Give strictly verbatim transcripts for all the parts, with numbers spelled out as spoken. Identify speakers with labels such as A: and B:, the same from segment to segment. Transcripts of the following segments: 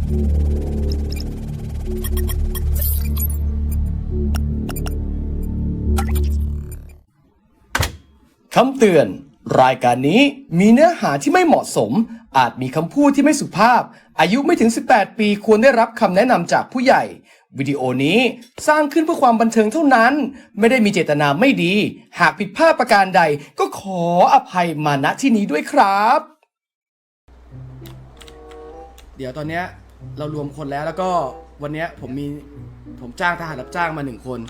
A: คำเตือนรายการนี้มีเนื้อหาที่ไม่เหมาะสมอาจมีคำพูดที่ไม่สุภาพอายุไม่ถึงสิบแปดปีควรได้รับคำแนะนำจากผู้ใหญ่วิดีโอนี้สร้างขึ้นเพื่อความบันเทิงเท่านั้นไม่ได้มีเจตนาไม่ดีหากผิดพลาดประการใดก็ขออภัยมาณที่นี้ด้วยครับเดี๋ยวตอนนี้เรารวมคนแล้วแล้วก็วันนี้ผมมีผมจ้างทหารรับจ้างมาหนึ่งคน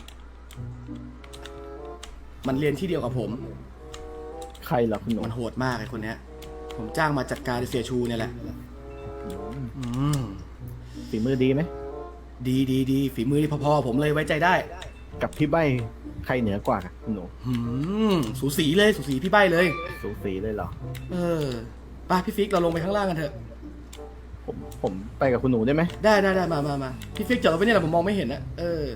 A: มันเรียนที่เดียวกับผม
B: ใครล่ะคุณหนุ่ม
A: มันโหดมากไอ้คนเนี้ยผมจ้างมาจัดการเสียชูเนี่ยแหละอืม
B: ฝีมือดีไหม
A: ดีดีดีฝีมือที่พอๆผมเลยไว้ใจได้
B: กับพี่ใบใครเหนือกว่าคุณหนุ่ม
A: อืมสูสีเลยสูสีพี่ใบเลย
B: สูสีเลยเหรอ
A: เออไปพี่ฟิกเราลงไปข้างล่างกันเถอะ
B: ผมผมไปกับคุณหนูได้ไหม
A: ได้ได้ได้มามามาพี่ฟิกจอดรถไว้เนี่ยแหละผมมองไม่เห็นนะเออ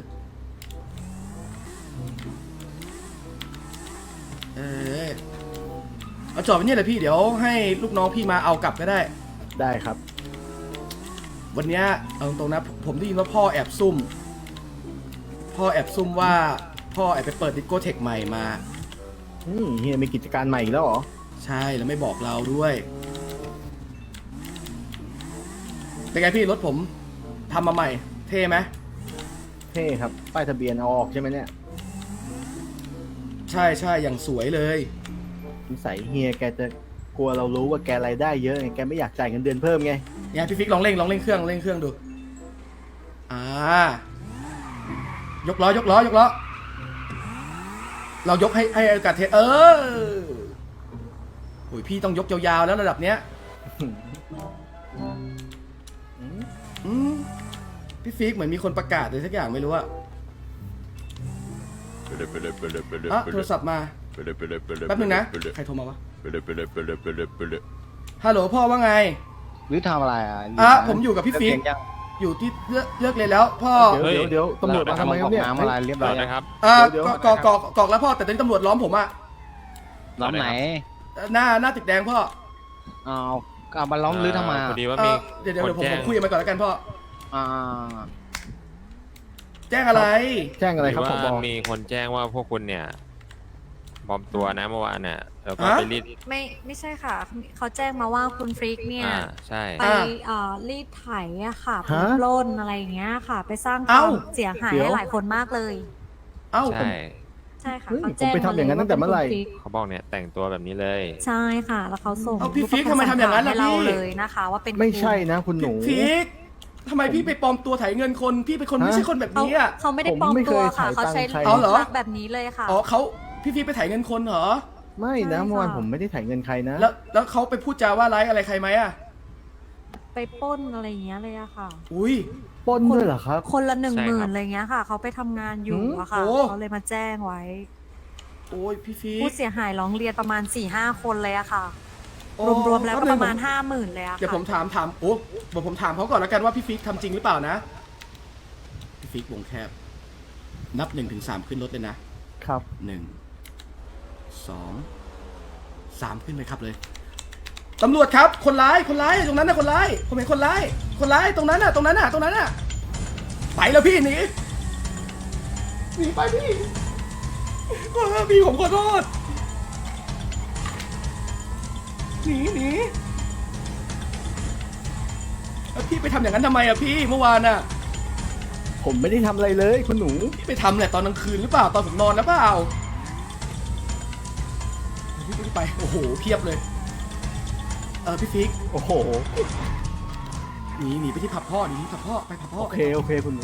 A: เออเอาจอดไว้เนี่ยแหละพี่เดี๋ยวให้ลูกน้องพี่มาเอากลับก็ได้
B: ได้ครับ
A: วันนี้เอาตรงนะผมได้ยินว่าพ่อแอบซุ่มพ่อแอบซุ่มว่าพ่อแอบไปเปิดดิสโก้เทคใหม่มา
B: อืมเฮียมีกิจการใหม่แล้วเหรอ
A: ใช่แล้วไม่บอกเราด้วยเป็นไงพี่รถผมทำมาใหม่เท่ไหม
B: เท่ครับป้ายทะเบียนเอาออกใช่ไหมเนี่ย
A: ใช่ใช่อย่างสวยเลย
B: นิสัยเฮียแกจะกลัวเรารู้ว่าแกรายได้เยอะไงแกไม่อยากจ่ายเงินเดือนเพิ่มไง
A: เนี่ยพี่ฟิกลองเร่งลองเร่งเครื่องเร่งเครื่องดูอ่ายกล้อยกล้อยกล้อเรายกให้ให้อากาศเทเออโอ้ยพี่ต้องยกยาวๆแล้วระดับเนี้ยอืมพี่ฟิกเหมือนมีคนประกาศอะไรสักอย่างไม่รู้อะอ่ะโทรศัพท์มาแป๊บนึงนะใครโทรมาวะฮัลโหลพ่อว่าไง
B: หรือทำอะไรอ่ะ
A: อ่ะผมอยู่กับพี่ฟิกอยู่ที่เลือกเลือกเลยแล้วพ่อ
B: เดี๋ยวเดี๋ยวตำรวจมาทำไมครับเนี่ย
C: น้ำอะไรเรียบร้อยนะครับ
A: อ่ากอกอกอกอกแล้วพ่อแต่ตอนนี้ตำรวจล้อมผมอะ
C: ล้อมไหน
A: หน้าหน้าติดแดงพ่อ
C: เอาเอามาล้อมหรือทำไม
A: พอดีว่ามีเดี๋ยวเดี๋ยวผมผมคุยกันมาก่อนแล้วกันพ่อ
C: อ่า
A: แจ้งอะไร
B: แจ้งอะไรครับผมบอก
D: มีคนแจ้งว่าพวกคุณเนี่ยปลอมตัวนะเมื่อวานเนี่ยแล้วก็ไปรีด
E: ไม่ไม่ใช่ค่ะเขาแจ้งมาว่าคุณฟริกเนี่ย
D: ใช่
E: ไปรีดไถอะค่ะไปปล้นอะไรอย่างเงี้ยค่ะไปสร้างความเสียหายให้หลายคนมากเลย
A: เอ้า
D: ใช่
E: ใช่ค่ะ
B: เขาแจ้งผมไปทำอย่างนั้นตั้งแต่เมื่อไหร่
D: เขาบอกเนี่ยแต่งตัวแบบนี้เลย
E: ใช่ค่ะแล้วเขาส่ง
A: พี่ฟิกทำไมทำอย่างนั้นล่ะ
E: พี่เลยนะคะว่าเป็น
B: ไม่ใช่นะคุณหนู
A: ฟิกทำไมพี่ไปปลอมตัวไถเงินคนพี่เป็นคนไม่ใช่คนแบบนี้อ่ะ
E: เขาไม่ได้ปลอมตัวค่ะเขาใช้รูปลักษณ์แบบนี้เลยค่ะ
A: อ๋อเขาพี่ฟิกไปไถเงินคนเหรอ
B: ไม่นะเมื่อวานผมไม่ได้ไถเงินใครนะ
A: แล้วแล้วเขาไปพูดจาว่าร้ายอะไรใครไหมอ่ะ
E: ไปปล้นอะไรอย่างเงี้ยเลยอะค่ะ
A: อุ้ย
B: ปล้นด้วยเหรอครับ
E: คนละหนึ่งหมื่นอะไรเงี้ยค่ะเขาไปทำงานอยู่อะค่ะเขาเลยมาแจ้งไว้
A: โอ้ยพี่ฟิก
E: ผู้เสียหายร้องเรียนประมาณ สี่ห้า คนเลยอะค่ะรวมๆแล้วก็ประมาณ ห้าหมื่น เลยอะค่ะ
A: เดี๋ยวผมถามถามโอ้เดี๋ยวผมถามเขาก่อนแล้วกันว่าพี่ฟิกทำจริงหรือเปล่านะพี่ฟิกวงแคบนับหนึ่งถึงสามขึ้นรถเลยนะครับหนึ่งสองสามขึ้นไปครับเลยตำรวจครับคนร้ายคนร้ายตรงนั้นนะคนร้ายผมเห็นคนร้ายคนร้ายตรงนั้นน่ะตรงนั้นน่ะตรงนั้นน่ะไปแล้วพี่หนีหนีไปพี่พี่ผมขอโทษหนีหนีพี่ไปทำอย่างนั้นทำไมอะพี่เมื่อวานอะ
B: ผมไม่ได้ทำอะไรเลยคุณหนู
A: พี่ไปทำแหละตอนกลางคืนหรือเปล่าตอนผมนอนแล้วเปล่าพี่ไปโอ้โหเพียบเลยเออพี่ฟิก
B: โอ้โห
A: หนีหนีไปที่ผับพ่อหนีที่ผับพ่อไปผับพ่อ
B: โอเคโอเคคุณหนู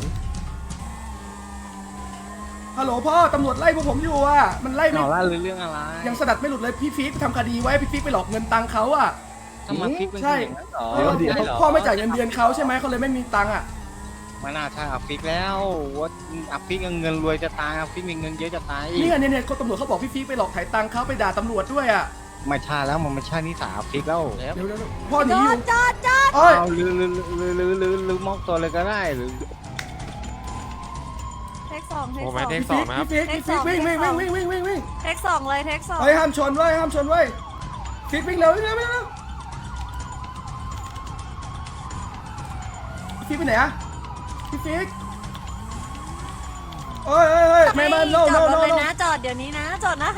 A: ฮัลโหลพ่อตำรวจไล่พวกผมอยู่อ่ะมันไล่ไม่
C: ไล่เรื่องอะไร
A: ยังสดัดไม่หลุดเลยพี่ฟิกไปทำคดีไว้พี่ฟิกไปหลอกเงินตังค์เขาอ่ะ
C: ทำไมฟิกเป็น
A: ใช่เดี๋ยวเดี๋ยวพ่อไม่จ่ายเงินเดือนเขาใช่ไหมเขาเลยไม่มีตังค์อ่ะ
C: ไม่น่าใช่อัพฟิกแล้วว่าอัพฟิกเงินรวยจะตายอัพฟิกมีเงินเยอะจะตาย
A: นี่เนี่ยเนี่ยคนตำรวจเขาบอกพี่ฟิกไปหลอกถ่ายตังค์เขาไปด่าตำรวจด้วยอ่ะ
C: ไม่ใช่แล้วมันไม่ใช่นิสัยอัพฟิกแล้ว
A: เดี๋ยวพ่อหนีอยู่
E: จอดจอด
C: เอาลือลือลือลือลือลือมอกตัวเลยก็ได้หรือ
E: เทคสองเทค
D: สองเทคสองนะ
A: ฟิกฟิกวิ่งวิ่งวิ่งวิ่งวิ่งวิ่งวิ่ง
E: เทคสองเลยเทคสอง
A: เฮ้ยห้ามชนเว้ยห้ามชนเว้ยฟิกวิ่งเร็ววิ่งเร็ววิ่งเร็วพี่ฟิกไปไหนอะพี่ฟิกโอ้ยเอ้ยเอ้ยไม่มา no
E: จ
A: no
E: อดร
A: no
E: ถเลย
A: no
E: นะจอดเดี๋ยวนี้นะจอดนะคะ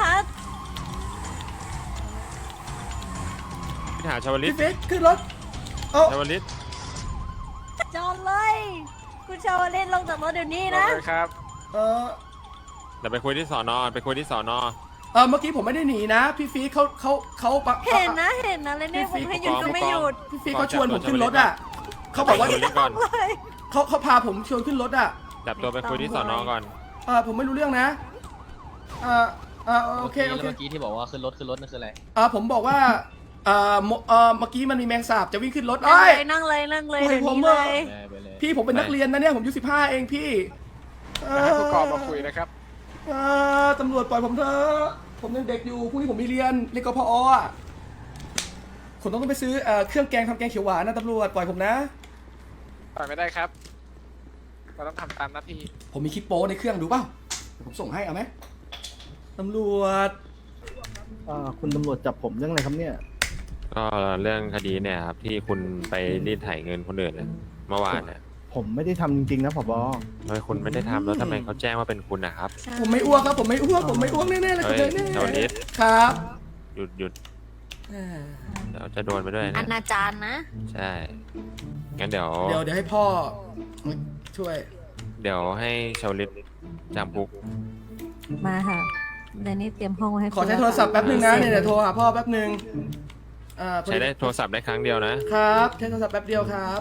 D: พี่ถามชาวลิต
A: พี่ฟิกขึ้นรถโอ้
D: ชาวลิต
E: จอดเลย คุณชาวเล่นลงจากรถเดี๋ยวนี้นะ
C: ครับ
A: เออ
D: เดี๋ยวไปคุยที่สอนอไปคุยที่สอนอ
A: เออเมื่อกี้ผมไม่ได้หนีนะพี่ฟิกเขาเขาเขาปะ
E: เห็นนะเห็นนะเลยเนี่ยผมให้หยุดก็ไม่หยุด
A: พี่ฟิกเขาชวนผมขึ้นรถอะเขาบอกว่า
D: ชาวลิตก่อน
E: เลย
A: เขาเขาพาผมชวนขึ้นรถอะ
D: จับตัวไปคุยที่สอนอก่อน
A: เออผมไม่รู้เรื่องนะเออเออโอเคโอเค
F: เมื่อกี้ที่บอกว่าขึ้นรถขึ้นรถนั่นคืออะไร
A: เออผมบอกว่าเออโมเออเมื่อกี้มันมีแมงสาบจะวิ่งขึ้นรถ
E: นั่ง
A: เอ้
E: เลย ยนั่งเลยนั่งเลย
A: โอ้ย
E: เดี๋ยว
A: ผม
E: นี้
A: อะ
E: เลย
F: ไปเลย
A: พี่ผมเป็นนักเรียนนะเนี่ยผมอายุสิบห้าเองพี่เออ
C: ผู้กองมาคุยนะครับ
A: เออตำรวจปล่อยผมเถอะผมยังเด็กอยู่พรุ่งนี้ผมมีเรียนเรียนกพออ่ะผมต้องไปซื้อเอ่อเครื่องแกงทำแกงเขียวหวานนะตำรวจปล่อยผมนะ
C: ปล่อยไม่ได้ครับ เราต้องทำตามหน้าที่
A: ผมมีคลิปโป้ในเครื่องดูเปล่าเดี๋ยวผมส่งให้เอาไหมตำรวจ
B: อ่าคุณตำรวจจับผมเรื่องอะไรครับเนี่ย
D: ก็เรื่องคดีเนี่ยครับที่คุณไปรีดไถเงินคนอื่นเนี่ยเมื่อวานเนี่ย
B: ผมไม่ได้ทำจริงๆนะผบ
D: ทำไมคุณไม่ได้ทำแล้วทำไมเขาแจ้งว่าเป็นคุณนะครับ
A: ผมไม่อ้วกครับผมไม่อ้วกผมไม่อ้วกแน่ๆเลย
D: เฮ้ย
A: แน่
D: ชาวลิต
A: ๆครับ
D: หยุดหยุด
A: เอ่อ
D: เดี๋ยวจะโดนไปด้วย
E: อ
D: นะ
E: นาจารนะ
D: ใช่งั้นเดี๋ยว
A: เดี๋ยวเดี๋ยวให้พ่อช่วย
D: เดี๋ยวให้ชาวลิตจำคุก
E: มาค่ะเดี๋ยวนี้เตรียมห้องไว้ให้
A: ขอใช้โทรศัพท์แป๊บหนึ่งนะเนี่ยเดี๋ยวโทรหาพ่อแป๊บหนึ่งอ่าพอ
D: ใช้ได้โทรศัพท์ได้ครั้งเดียวนะ
A: ครับใช้โทรศัพท์แป๊บเดียวครับ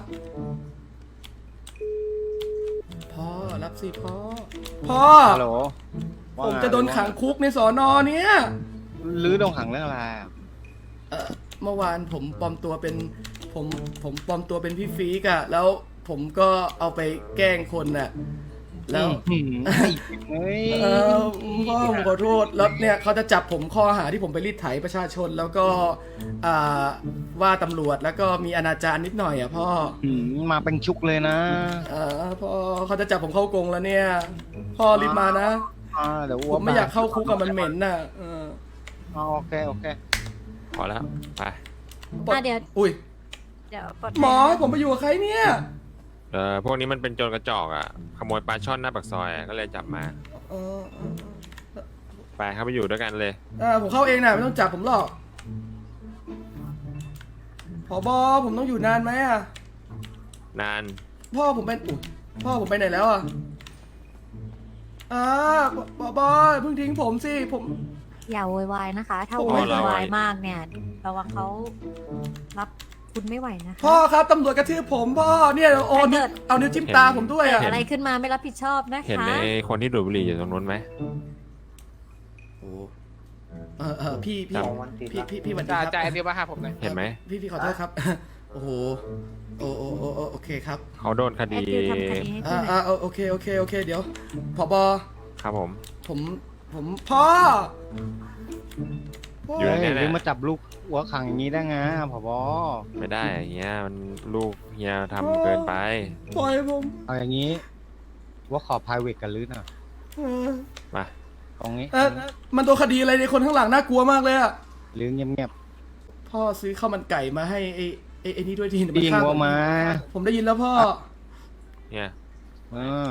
A: พ่อรับสิพ่อพ่อ
C: ฮัลโหล
A: ผมจะโดนขังคุกในสอนอเนี่ย
C: ลื้อโดนขังเรื่องอะไรอะ
A: เอ่อเมื่อวานผมปลอมตัวเป็นผมผมปลอมตัวเป็นพี่ฟีกอะแล้วผมก็เอาไปแกล้งคนน่ะแล้ว
C: อื้อหือเฮ้ย
A: เออพ่อผมขอโทษแล้วเนี่ยเขาจะจับผมข้อหาที่ผมไปรีดไถประชาชนแล้วก็อ่าว่าตำรวจแล้วก็มีอนาจารนิดหน่อยอ่ะพ่อ
C: หืมมาเป็นชุกเลยนะ
A: เออพ่อเขาจะจับผมเข้ากรงแล้วเนี่ย พ่อรีบมานะ
C: อ่าเดี๋ยว
A: ผมไม่อยากเข้าคุกกับมันเหม็นน่ะเออ
C: อ๋อโอเคโอเค
D: พอแล้วไป
E: อ่ะเดี๋ยว
A: อุ้ย
E: เดี๋ยวปลด
A: หมอให้ผมไปอยู่กับใครเนี่ย
D: เออพวกนี้มันเป็นโจรกระจอกอ่ะขโมยปลาช่อนหน้าปากซอยอะก็เลยจับมา
A: เออเออ
D: ไปเข้าไปอยู่ด้วยกันเลย
A: เออผมเข้าเองนะไม่ต้องจับผมหรอกผอบอผมต้องอยู่นานไหมอ่ะ
D: นาน
A: พ่อผมเป็นอุ๊ยพ่อผมไปไหนแล้วอ่ะอ่าผอบอเพิ่งทิ้งผมสิผม
E: อย่าโวยวายนะคะ ถ้า
A: โอ้
E: โวย
A: เรา
E: ยวายมากเนี่ยระวังเขารับคุณไม่ไหวนะคะ
A: พ่อครับตำรวจกระทืบผมพ่อเนี่ยโอนวเอานิ้วจิ้มตาผมด้วยอ่ะ
E: เกิดอะไรขึ้นมาไม่รับผิดชอบนะ
D: เห็น
E: คะ
D: ไอ้คนที่ดูดบุหรี่อยู่ตรงนู้นไหม
A: โอ้เออเออพี่พี่
D: ครับ
A: พี่พี่พี่หวันดี
C: จ่า
A: ครับ
C: จ่ายเดียวมาหาผมหน่อย
D: เห็นไหม
A: พี่พี่ขอโทษครับ โอ้โหโอ้โอ้โอ้โอ้โอเคครับ
D: เขาโดนค
E: แอ
D: ดี
E: ดดิวทำคดีให้
A: อ่า
E: พี่หน่
A: อ่า
E: อย
A: โอเคโอเคโอเคเดี๋ยวผอบอ
D: ครับผม
A: ผมผมพ่อพ่อ
D: อยู่
C: เฮ้ย
D: ในนี้แห
C: หรือ
D: ละ
C: มาจับลูกหัวขังอย่างนี้ได้ไงผบ
D: ไม่ได้เฮียมันลูกเฮียทำเกินไป
A: ปล่อยผม
C: เอาอย่างนี้ว่าขอ private กันลื้อหน่อย
A: เออ
D: มา
C: ตรงนี้
A: เออมันโดนคดีอะไรในคนข้างหลังน่ากลัวมากเลยอะ
C: ลื้อเงียบ
A: พ่อซื้อข้าวมันไก่มาให้ไอ้ไอ้ไอ้นี่ด้วยที
C: ๆยิงวัวมา
A: ผมได้ยินแล้วพ่อ
D: เนี่ย
C: เออน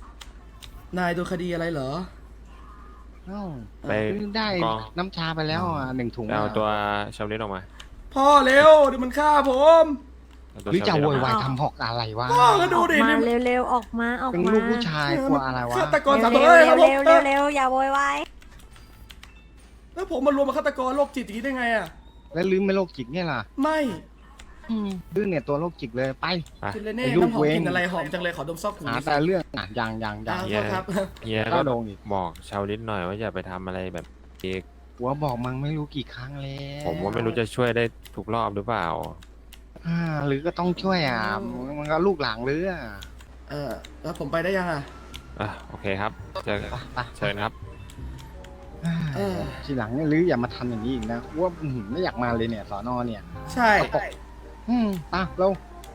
A: ายโดนคดีอะไรเหรอ
C: เอ้า
D: ไป
C: ได้
D: กอง
C: น้ำชาไปแล้วอ่ะหนึ่งถุง
D: ไปเอาตัวชาวลิตออกมา
A: พ่อเร็วเดี๋ยวมันฆ่าผม
D: เอาตัว
C: หรือจะ
D: ชาว
C: โว
D: ลิตออก
C: ยวาย
D: มา
C: ทำหอกอะไรวะ
A: พ่อก็ดู
E: ออก
A: ดิ
E: มา
A: นี่
E: เร็วๆออกมาออก
C: เป็น
E: มา
C: ลูกผู้ชายกลัวอะไรวะ
A: ฆาตกรสาม
E: เร็
A: ตัว
E: ว
A: เลยครับผม
E: ๆเร็วๆเร็วๆอย่าโวยวาย
A: แล้วผมมารวมกับฆาตกรโรคจิตอย่างนี้ได้ไงอะ
C: แล้วลื้อไม่โรคจิตเนี่ยล่ะ
A: ไม่
C: ลื้อเนี่ยตัวโรคจิตเลยไป
D: ไป
A: กินเลยเน่
C: ไอ้ลูก
A: น้ำหอม
C: เว้ง
A: กลินอะไรหอมจังเลยขอดมซอกหู
C: หา
A: หน่อยสิ
C: แต่เรื่องอ่ะอย่างอย่างอย่า
A: อ่าง
D: เหี้ย
A: ครับ
D: เฮีย
C: ก็
D: ก็
C: โดนอีก
D: บอกชาวลิตหน่อยว่าอย่าไปทำอะไรแบบอีก
C: หัวบอกมังไม่รู้กี่ครั้งแล้ว
D: ผมว่าไม่รู้จะช่วยได้ทุกรอบหรือเปล่า
C: อ่าหรือก็ต้องช่วยอ่ะมันก็ลูกหลางหรืออ่ะ
A: เออแล้วผมไปได้ยังอะ
D: อ่ะโอเคครับเจอ
C: ไปไป
D: เชิญครับ
A: เออ
C: ทีหลังเนี่ยหรืออย่ามาทำอย่างนี้อีกนะว่าอื้อหือไม่อยากมาเลยเนี่ยสอนอเนี่ย
A: ใช่
C: อืมไป่ะเรา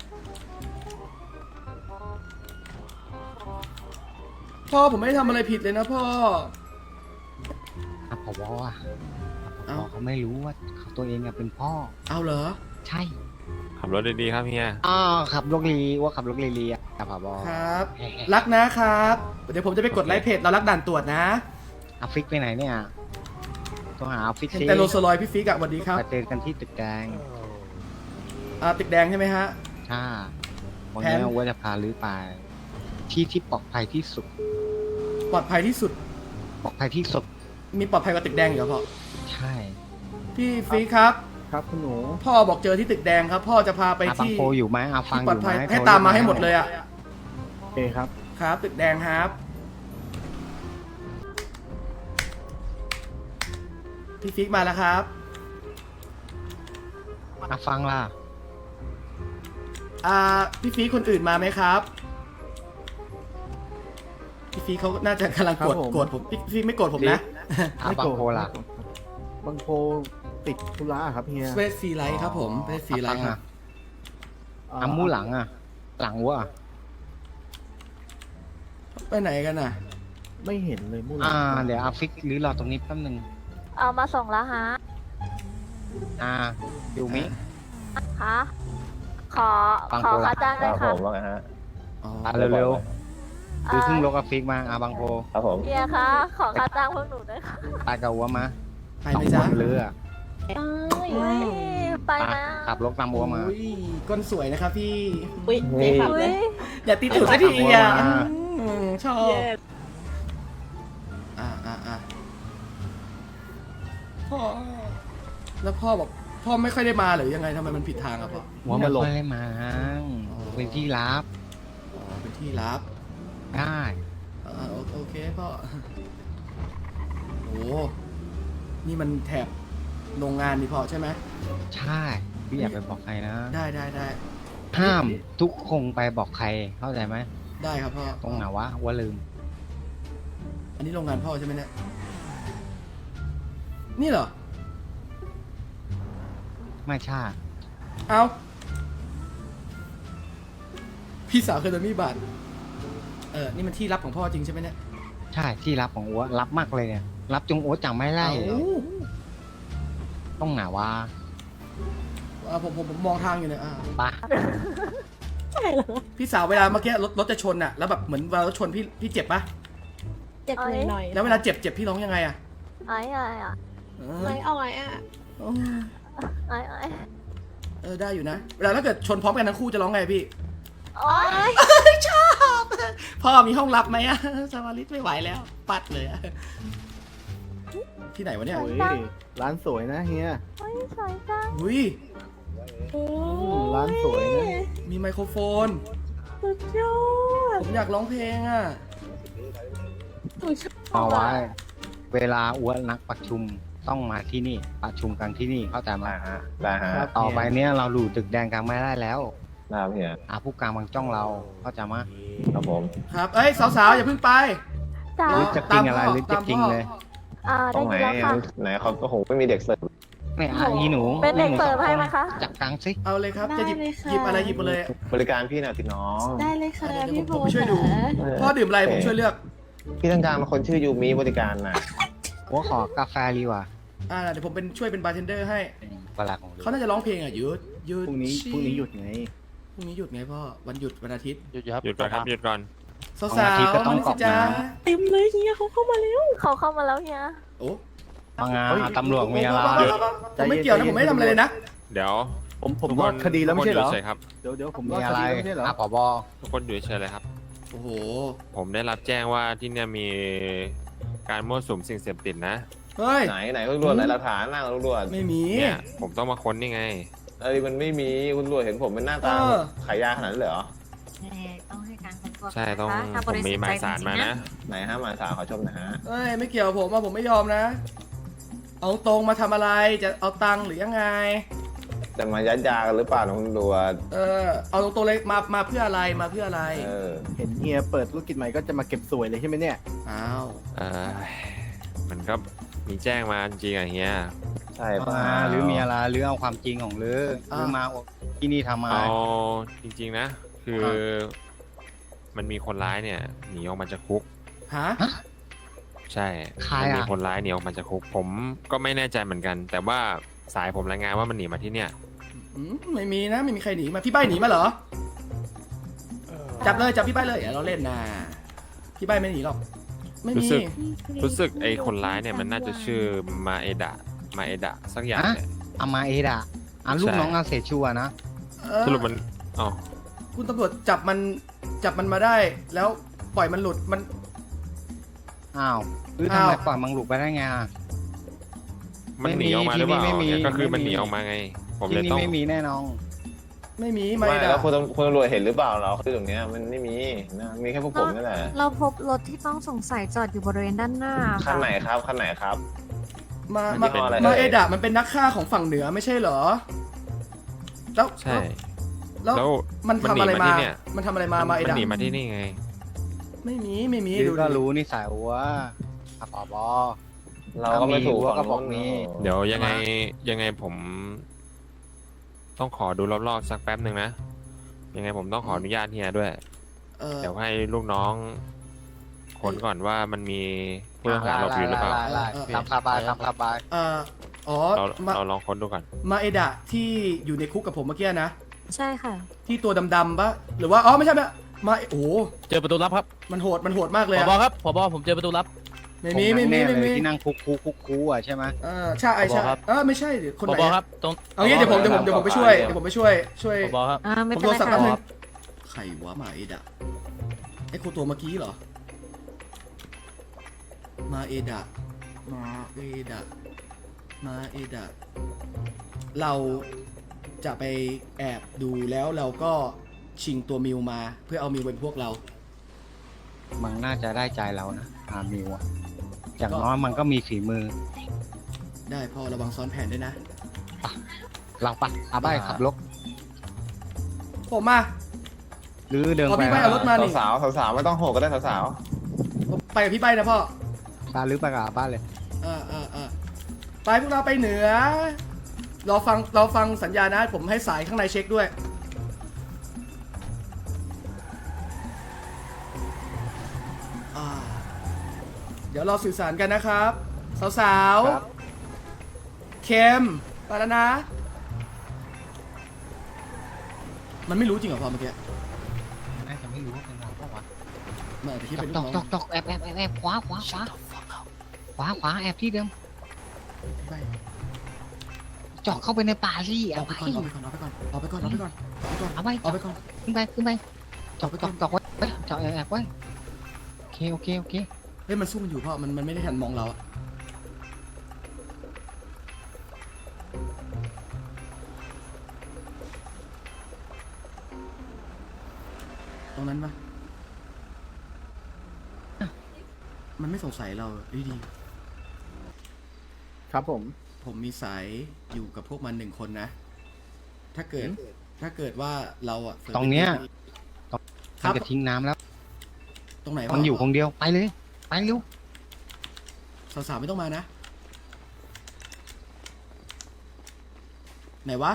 A: พ่อผมไม่ได้ทำอะไรผิดเลยนะพ่อ
C: อ่ะผบอ่ะผ
A: เอ้า
C: บเขาไม่รู้ว่าเขาตัวเองอ่ะเป็นพ่อ
A: เอาเหรอ
C: ใช่
D: เขาขับรถดีๆครับเฮีย
C: อ๋อขับรถลีว่าขับรถลีลีอ่ะครับผบ
A: ครับ รักนะครับ เดี๋ยวผมจะไปกดไลค์เพจเรารักด่านตรวจนะ
C: อาฟิกไปไหนเนี่ยต้องหาอาฟิก
A: เห็น
C: สิ
A: แต่โรลสรอยซ์พี่ฟิกอะสวัสดีครับ
C: ไปเจอกันที่ตึกแดง
A: อ่าตึกแดงใช่ไหมฮะ
C: ใช่วัน
A: แผน
C: นี้ว่าจะพาลื้อไป ที่ที่ปลอดภัยที่สุด
A: ปลอดภัยที่สุด
C: ปลอดภัยที่สุด
A: มีปลอดภัยกว่าตึกแดงอีกเหรอพ่อ
C: ใช่
A: พี่ฟิกครับ
B: ครับคุณหนู
A: พ่อบอกเจอที่ตึกแดงครับ พ่อจะพาไป
C: อาบัง
A: ที่
C: โพอยู่ไหมอาฟัง
A: ที่
C: อ
A: ปลอด
C: ยู่ไหม
A: ภัย
C: โทร
A: ให้ตามมา
C: เรียก
A: ให้หมดเลยอะ
B: โอเคครับ
A: ครับ ตึกแดงครับ พี่ฟิกมาแล้วครับ
C: อาฟังล่ะ
A: อ่าพี่ฟิกคนอื่นมาไหมครับ พี่ฟิกเขาน่าจะกำลังโกรธ
B: ครับผม
A: โกรธผมพี่ฟิกไม่โกรธผมนะ
C: อาบังโพล่ะ
B: บางโพติดธุระครับเฮีย
A: เวสฟรีไลท์ครับผมเวสฟรีไลท์ครับ
B: อ่า
C: อามูหลังอ่ะ หลังวัว
A: ไปไหนกันน่ะ
B: ไม่เห็นเลยมู่หล
C: อ่า เดี๋ยวอาฟิกหรือรอตรงนี้แป๊บนึง
E: เอามาส่งแล้วฮะ
C: อ่าอยู่มิ
E: คะขอ
C: ฟัง
E: ขอ
C: โปร
E: ค่าจ้างด้วยค่ะ
A: อ๋อ
C: อ่าเร็วๆคือเพิ่งลกอาฟิกมาอาบังโพ
E: เฮียคะขอค่าจ้างพวกหนูด้วยค่ะ
C: ตายกับวัวมา
A: ไป
C: สอ
A: ไหม
C: งค
A: จ๊ะ
C: นเรือ
E: เฮ้ยไป
C: อ่ะ
E: นะ
C: ขับรถตามวัวมา
A: อุ้ยก้นสวยนะครับพี่
G: อุ้ยไม่ขับ
E: อุ้
G: เลย ย
A: อย่าตีถูกสักทีอ่ะ
C: ขับรถมา
A: อืมชอบ
G: เย้
A: อ่าอ่าอ่าพ่อ แล้วพ่อบอกพ่อไม่ค่อยได้มาหรือยังไงทำไมมันผิดทางอะพ่อ
C: หัวมันลงได้มา
A: อ๋อ
C: เป็นที่ลับ
A: อ๋อเป็นที่ลับ
C: ได้
A: อ่าโอโอเคพ่อโอ้นี่มันแถบโรงงานนี่พ่อใช่ไหม
C: ใช่พี่อยากไปบอกใครนะ
A: ได้ได้ได้
C: ห้ามทุกคงไปบอกใครเข้าใจไหม
A: ได้ครับพ่อ
C: ตรงไหนวะว่าลืม
A: อันนี้โรงงานพ่อใช่ไหมเนี่ยนี่เหรอ
C: ไม่ใช่
A: เอาพี่สาวเคยโดนมีดบาดเออนี่มันที่ลับของพ่อจริงใช่ไหมเนี่ย
C: ใช่ที่รับของอัวรับมากเลยเนี่ย รับจงอัวจังไม่ไล่
A: เอ้า
C: ต้องไหนวะ
A: อ่าผมผมผมมองทางอยู่เนี่ยอ่า
C: ปะ
G: ใช่เหรอ
A: พี่สาวเวลาเมื่อกี้รถรถจะชนอะแล้วแบบเหมือนเวลารถชนพี่พี่เจ็บปะ
G: เจ็บหน่อยๆ
A: แล้วเวลาเจ็บเจ็บพี่ร้องยังไงอะ
E: ไอ้ไอ้อะ
A: เอ
G: ไม่
A: อ
G: เอาไงอ่ะ
E: ไอ้ไอ้
A: เออได้อยู่นะ เวลาถ้าเกิดชนพร้อมกันทั้งคู่จะร้องไงพี่
E: โอ๊ย
A: ชอบพ่อมีห้องลับไหมอะสวาริตไม่ไหวแล้ว ปัดเลยอะที่ไหนวะเนี่ย
B: โอ้ยร้านสวยนะเฮีย
E: โอ๊ยสวยจัง
A: อุ้ย
G: โอ้
B: มร้านสวยนะ
A: มีไมโครโฟน
G: สุดยอด
A: ผมอยากร้องเพลงอะ
G: หนูชอบ
C: เอาไว้ เวลาอัวนักประชุมต้องมาที่นี่ ประชุมกันที่นี่เข้าใจไหม
H: ฮะได้ฮะ
B: ครับ
C: ต่อไปเนี้ยเราดูตึกแดงกลางไม่ได้แล้ว
H: ได้ครับเฮีย
C: อาผู้กลางบางจ้องเราเข้าใจไหม
H: ครับผม
A: ครับ เอ้ยสาวๆอย่าเพิ่งไป
E: จ้า
C: หรือจะจริงอะไรหรือจะจริงเลย
E: อ่า
H: ตร
E: ได้
H: งไหน
E: ยินแล้วค่ะ
H: ไหนเขาโอ้โหไม่มีเด็กเสิร์ฟ
C: เนี่ยอ่ะอีหนู
E: เป็นเด็กเสิร์ฟให้ไหมคะ
C: จับกลางสิ
A: เอาเลยครับ จะหยิบหยิบอะไรหยิบมาเลย
H: บริการพี่หน่อยสิน้อง
G: ได้เลยค่ะ
A: เดี๋ยว
G: พี่
A: ผม
G: โบ
A: ผมช่วยดู พ่อดื่มอะไรผมช่วยเลือก
H: พี่ต้องการมาคนชื่อยูมิบริการน่ะ
C: หัวขอกาแฟดีกว่า
A: อ่าเดี๋ยวผมเป็นช่วยเป็นบาร์เทนเดอร์ให้
C: เวลาของ
A: เขาน่าจะร้องเพลงอ่ะหยุดหยุด
B: พรุ่งนี้พรุ่งนี้หยุดไง
A: พรุ่งนี้หยุดไงพ่อ วันหยุดวันอาทิตย์
D: หยุดก่อนครับหยุดก่อน
A: สาวๆมาสิจ้า
G: เต็มเลยเฮียเขาเข้ามาแล้ว
E: เขาเข้ามาแล้วเฮีย
A: โอ้
C: ฟังงานตำรวจมีอะไร
A: ผมไม่เกี่ยวนะผมไม่ได้ทำอะไรเลยนะ
D: เดี๋ยว
B: ผมผม
D: ทุก
B: รอดคดีแล้วไม่ใช่เหรอ
D: ทุกคนยู่ฉยครับ
B: เดี๋ยวเดี๋ยวผมร
C: มี
B: อดค
C: อะไร
B: ดีแล้วไม่ใช่เหรอ
C: อาผบ
D: ทุกคนอยู่เฉยๆเลยครับ
A: โอ้โห
D: ผมได้รับแจ้งว่าที่เนี่ยมีการมั่วสุมสิ่งเสพติดนะ
A: เฮ้ย
H: ไหนไหนคุณตำรวจไหนหลักฐานหน้าคุณตำรวจ
A: ไม่มี
D: เนี่ยผมต้องมาค้นนี่ไง
H: เอ้ยมันไม่มีคุณตำรวจเห็นผมเป็นหน้าตา
A: เออ
H: ขายยาขนาดนั้นเลยเหรอ
E: ต้องให้การค้นตัว
D: ใช่ต้อง
E: ถ้า
D: ผมมีหมายสารมานะ
H: ไหนฮะหมายสาวขอชมหนะฮะ
A: เอ้ยไม่เกี่ยวผมอ่ะผมไม่ยอมนะ เอาตรงมาทำอะไร จะเอาตังค์หรือยังไง
H: จะมายัดยากันหรือเปล่าน้องตำรวจ
A: เออ เอาตรงๆเลยมา มาเพื่ออะไร มาเพื่ออะไร
H: เออ
B: เห็นเฮียเปิดธุรกิจใหม่ก็จะมาเก็บสวยเลยใช่ไหมเนี่ย
A: อ้าว
D: เออมันก็มีแจ้งมาจริงๆอะเฮีย
H: ใช่ป่ะ
C: อ่าหรือมีอะไรหรือเอาความจริงของหรือหรือมาที่นี่ทำอะไร
D: เอาจริงๆนะ คืออมันมีคนร้ายเนี่ยหนีออกมาจากคุก
A: ฮะ
D: ใช่
C: ใคร
D: มันมี
C: อ่ะ
D: คนร้ายหนีออกมาจากคุก ผมก็ไม่แน่ใจเหมือนกัน แต่ว่าสายผมรายงานว่ามันหนีมาที่เนี่ย
A: ออืมไม่มีนะไม่มีใครหนีมาพี่ใบหนีมาเหรอจับเลยจับพี่ใบเลยอย่าเราเล่นนะพี่ใบไม่หนีหรอกไม่
D: รู้
A: มี
D: สึกรู้สึกไอ้คนร้ายเนี่ยมันน่าจะชื่อมาเอดะมาเอดะสักอย่างเนี่ย
C: อามาเอดะอ่ะลูกน้องอาเซชัวนะ
A: เออ
D: สรุปมันอ๋อ
A: คุณตำรวจจับมันจับมันมาได้ แล้วปล่อยมันหลุดมัน
C: อ้าวหรือทำไม
A: อ้าว
C: ปล่อยมังหลุดไปได้ไงอ่ะ
D: มันหนีออกมาหรือเปล่า
C: ไม่มี
D: เนี่ยก็คือมัน
C: ไม่มี
D: หนีออกมาไง ผม
C: ที่
D: เลย
C: นี่
D: ต้อง
C: ไม่มีแน่นอน
A: ไม่มีไม่
H: ไม่
A: ได้
H: แล้วคุณตำคุณตำรวจเห็นหรือเปล่าเราคือตรงเนี้ยมันไม่มีนะมีแค่พวกผมนี่แหละ
E: เราพบรถที่ต้องสงสัยจอดอยู่บริเวณด้านหน้า
H: คันไหนครับคันไหนครับ
A: มา
H: มั
A: มาน
H: เป็นอะไร
A: มา
H: เอ่ย
A: เอดะมันเป็นนักฆ่าของฝั่งเหนือไม่ใช่เหรอ แล้ว
D: ใช่
A: แล้ว
D: แล้ว
A: มันทำอะไร
D: มันหนี
A: มา
D: มาที่เนี่ย
A: มันทำอะไรมามาเอ
D: มัน
A: ดะ
D: หนีมาที่นี่ไง
A: ไม่มีไม่มี
C: หรื
A: ดู
C: อ
A: ดิ
C: ก็รู้นิสัยว่าอะปอบอ
H: เราก็ไม่ถูก
C: ถ้ามีรั้วก็บอกมี
D: เดี๋ยวยังไงยังไงผม ต้องขอดูรอบๆสักแป๊บหนึ่งนะ ยังไงผมต้องขออนุญาตเฮียด้วย
A: เออ
D: เดี๋ยวให้ลูกน้องค้นก่อนว่ามันมีผู้ต้องหาหลบอยู่หรือเปล่า
C: ไล่ๆๆทำสบายทำสบาย
A: เอออ๋อ
D: เรา
A: มา
D: เราลองค้นดูก่อน
A: มาเอดะที่อยู่ในคุกกับผมเมื่อกี้นะ
E: ใช่ค่ะ
A: ที่ตัวดำๆปะหรือว่าอ๋อไม่ใช่ไม่มาโอ้โห
F: เจอประตูลับครับ
A: มันโหดมันโหดมากเลย
F: ผ
A: อะ
F: บครับผบผมเจอประตูลับ
A: ไม่มีไม่มี
C: แน่
A: ไม่
C: เลย
A: มี
C: ที่นั่งคุกคุกคุกคุกอ่ะใช่ไหม
A: เออใช่ใช่
F: ผบครับ
A: เออไม่ใช่เดี๋ยวคน
F: ผ
A: ไหน
F: บ
A: อะ
F: ครับตรง
A: เอางี้เดี๋ยวผมเดี๋ยวผมเดี๋ยวผมไปช่วยเดี๋ยวผมไปช่วยช่วย
F: ผบครับ
E: อ่า ไม่
A: ผม
E: เป็น
A: โท
E: ไร
A: รศัพท์
E: ค่ะ
A: แป๊บนึงใครวะมาเอดะไอ้คนตัวเมื่อกี้เหรอ มาเอดะมาเอดะมาเอดะเราจะไปแอบดูแล้วเราก็ชิงตัวมิวมาเพื่อเอามิวเป็นพวกเรา
C: มันน่าจะได้ใจเรานะอามิวอะอย่างน้อยมันก็มีฝีมือ
A: ได้พ่อระวังซ้อนแผนด้วยนะ
C: เราปะอาบ้ายขับรถ
A: ผมมา
C: หรือเดิน
A: เอา
C: ไป
A: พี่ไปเอารถมา
H: สาวสาวสาวๆไม่ต้องโหกก็ได้สาวสาว
A: ผมไปกับพี่ใบนะพ่อ
C: ตาหรือไปกับอาบ้านเลย
A: อ่าอ่าอ่าไปพวกเราไปเหนือรอฟังเราฟังสัญญานะ ผมให้สายข้างในเช็คด้วย อ่า เดี๋ยวเราสื่อสารกันนะครับ สาวๆ เข้มไปแล้วนะ มันไม่รู้จริงเหรอพ่อเมื่อกี้
C: น่าจะไม่รู้ว่าเป็นเราเปล่าวะ
A: มันอาจจะคิด
C: จ
A: เป็น
C: อก
A: ลูก
C: จ
A: น้
C: อ
A: อก ง
C: จอกจอกแอบแอบแอบแอบขวาขวาขวาขวาขวาแอบที่เดิม
A: ไป
C: จอกเข้าไปในป่าสิ
A: เอา
C: เอา
A: ไป
C: ไป
A: ก่อนเอาไปก่อนเอาไปก่อนเอาไปก่อนเอาไปก่อน
C: เอาไป
A: เอาไปก่อน
C: ขึ้นไปขึ้นไปจอกจอกจอกไว้จอกแอบแอบไว้โอเคโอเคโอเค
A: เฮ้ยมันสู้มันอยู่พ่อมันมันไม่ได้ทันมองเราอะตรงนั้นปะมันไม่สงสัยเราดีดี
B: ครับผม
A: ผมมีสายอยู่กับพวกมันหนึ่งคนนะ ถ้าเกิดถ้าเกิดว่าเราอะ
C: ตรงเนี้ย
A: ค
C: มัน
A: รับ
C: จะทิ้งน้ำแล้ว
A: ตรงไหนวะ
C: มันอยู่คนเดียวไปเลยไปเร็ว
A: สาวๆไม่ต้องมานะ ไหนวะ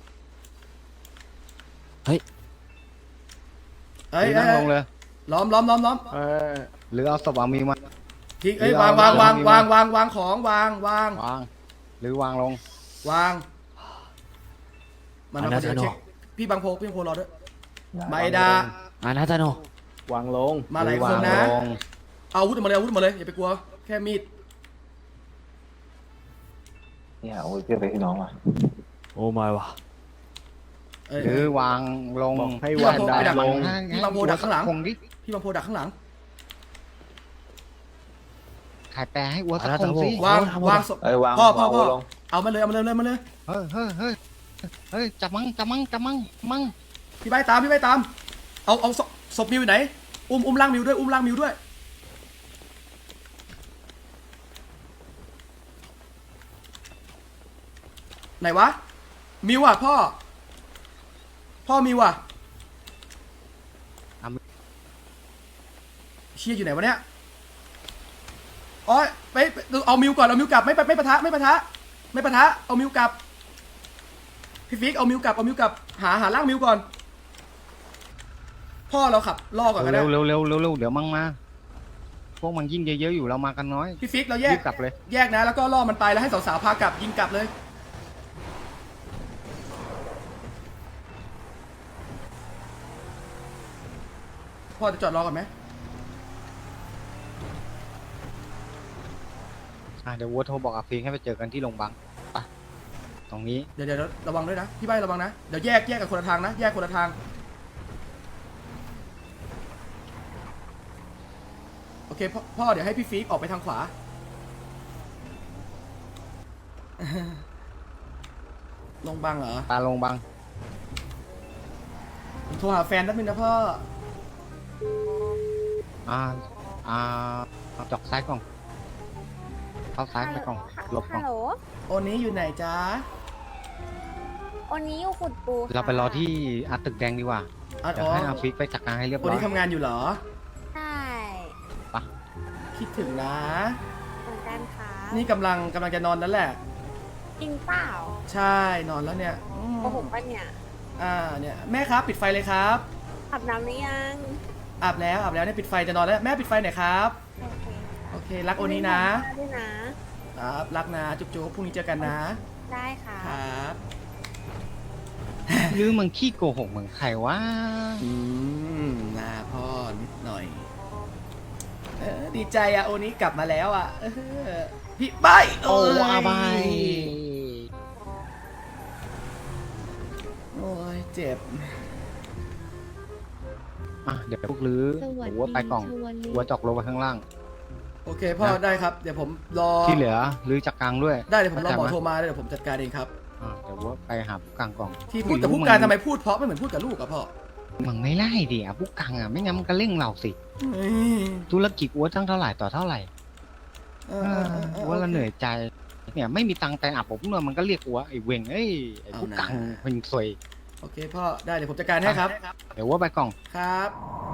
F: เฮ้ย
A: เอ้ย
C: หรือ
A: เอ้
C: นั่
A: ย
C: งลงเลย
A: ล้อมล้อมล้อมล้อม
B: เออ
C: หรือเอาศพอามีมา
A: ทิ้งเอ้ย
C: หรือ
A: วาง
C: เอา
A: วางวาง
C: เอา
A: วางวางวางของวางวาง
C: วาง หรือวางลง
A: วางมันมาเดี๋ยวเช็คพี่บางโพพี่บางโพรอด้วยมาเอดา
F: อานาตาโน
B: วางลง
A: มาหลาย
C: รือ
A: คนนะ
C: วางลง
A: เอาอาวุธออกมาเลยเอาอาวุธออกมาเลยอย่าไปกลัวแค่มีด
H: ๆเนี่ยโอ้ยเพื่อนไปพี่น้องว่ะ
F: โอ้ไม่วะ
A: เอ้ย
C: หรือวางลง
B: บอกให้
A: พี่
B: วาง
A: บางโพ
B: ดา
A: ไปดัก
B: ลง
A: พี่บางโพดักข้างหลัง
C: คงดิ
A: พี่บางโพดักข้างหลัง
C: ขายแปรให้อ้วนสักคงสิ
A: วางวางศพ
H: เอ้ยวาง
A: พ่อพ่อ
H: วาง
A: พ่อ
H: ลง
A: เอามาเลยเอามาเลยเอามาเลย
C: เฮ้ยเฮ้ยเฮ้ยเฮ้ยจับมั่งจับมั่งจับมั่งมั่ง
A: พี่ใบตามพี่ใบตาม เอาเอาศพศพมิวอยู่ไหน อุ้มอุ้มล่างมิวด้วยอุ้มล่างมิวด้วย ไหนวะ มิวอ่ะพ่อ พ่อมิวอ่ะเชี่ยอยู่ไหนวะเนี่ยอ๋อไปไปเอามิวก่อนเอามิวกลับไม่ไม่ไม่ปะทะไม่ปะทะไม่ปะทะเอามิวกลับพี่ฟิกเอามิวกลับเอามิวกลับหาหาล่างมิวก่อน พ่อเราขับล่อก่อนก็ได้
C: เร็วเร็วเร็วเร็วเร็วเดี๋ยวมั่งมาพวกมันยิ่งเยอะๆอยู่เรามากันน้อย
A: พี่ฟิกเราแย
C: รี
A: ก
C: บกลับเลย
A: แยกนะแล้วก็ล่อมันไปแล้วให้สาวๆพากลับยิงกลับเลยพ่อจะจอดรอก่อนไหม
C: อ่ะเดี๋ยววัวโทรบอกอาฟิกให้ไปเจอกันที่โรงพยาบาลไปตรงนี้
A: เดี๋ยวเดี๋ยวระวังด้วยนะพี่ใบระวังนะเดี๋ยวแยกแยกกันคนละทางนะแยกคนละทางโอเคพ่อพ่อเดี๋ยวให้พี่ฟิกออกไปทางขวา ลงบังเหรอ
C: ตาโรงพยาบาล
A: ผมโทรหาแฟนแป๊บนึงนะพ่อ
C: อ่าอ่าจอกซ้ายกล่องเข้าซ้ายไปกล่องหลบกล่
G: ฮั
C: อง
G: ลโหล
A: โอนี้อยู่ไหนจ๊ะ
G: วันนี้อยู่ขุดปูค่ะ
C: เราไปรอที่อาตึกแดงดีกว่า
A: อ่ะ
C: เดี๋ย
A: อ๋
C: ว
A: อ
C: ให้อาฟิกไปจัดการให้เรียบ
A: โอ
C: ร้อย
A: นี้ทำงานอยู่เหรอ
G: ใช่
A: คิดถึงนะ
G: เหมือนกันค่ะ
A: นี่กำลังกำลังจะนอนแล้วแหละ
G: จริงเปล่า
A: ใช่นอนแล้วเนี่ยอืม
G: โกหกปะเนี่ย
A: อ่าเนี่ยแม่ครับปิดไฟเลยครับ
G: อาบน้ำหรือยัง
A: อาบแล้วอาบแล้วเนี่ยปิดไฟจะนอนแล้วแม่ปิดไฟหน่อยครับ
G: โอเค
A: โอเครักโอนี้นะ
G: ด้วยนะครับ
A: รักนะจุ๊บจุ๊บพรุ่งนี้เจอกันนะ
G: ได้ค่ะ
A: ครับ
C: หรือมึงขี้โกหกเหมือนใครวะ
A: อืมนาพ่อนิดหน่อยเออดีใจอะโอนี้กลับมาแล้วอะเออพี่ใบ
C: โอ้
A: ย
C: อาบาย
A: โอ้ยเจ็บ
C: อ่ะเดี๋ยวพวกลือวัวไปกล่องวัวจอกลงไปข้างล่าง
A: โอเคพ่อได้ครับเดี๋ยวผมรอ
C: ที่เหลือลือจากกลางด้วย
A: ได้เดี๋ยวผมรอหมอ
C: เข้าใจไห
A: โทรมาเดี๋ยวผมจัดการเองครับ
C: อ่ะเดี๋ยววัวไปหาผู้กลางกล่อง
A: ที่พูดแต่ผู้การทำไมพูดเพราะไม่เหมือนพูดกับลูกอะพ่อ
C: มึงไม่ไล่ดิอ่ะผู้กลางอ่ะไม่งั้นมันก็เร่งเราสิ
A: เฮ้ย
C: ธุรกิจวัวตั้งเท่าไหร่ต่อเท่าไหร่
A: เออเออเออเออ
C: วัวละเหนื่อยใจเนี่ยไม่มีตังค์แต่อาบผมเมื่อมันก็เรียกวัวไอ้เวงเอ้ยไอ้ผู้กลาง
A: เอานะ
C: เป็นซวย
A: โอเคพ่อได้เดี๋ยวผมจัดการให้ครับ
C: เดี๋ยววัวไปกล่อง
A: ครับ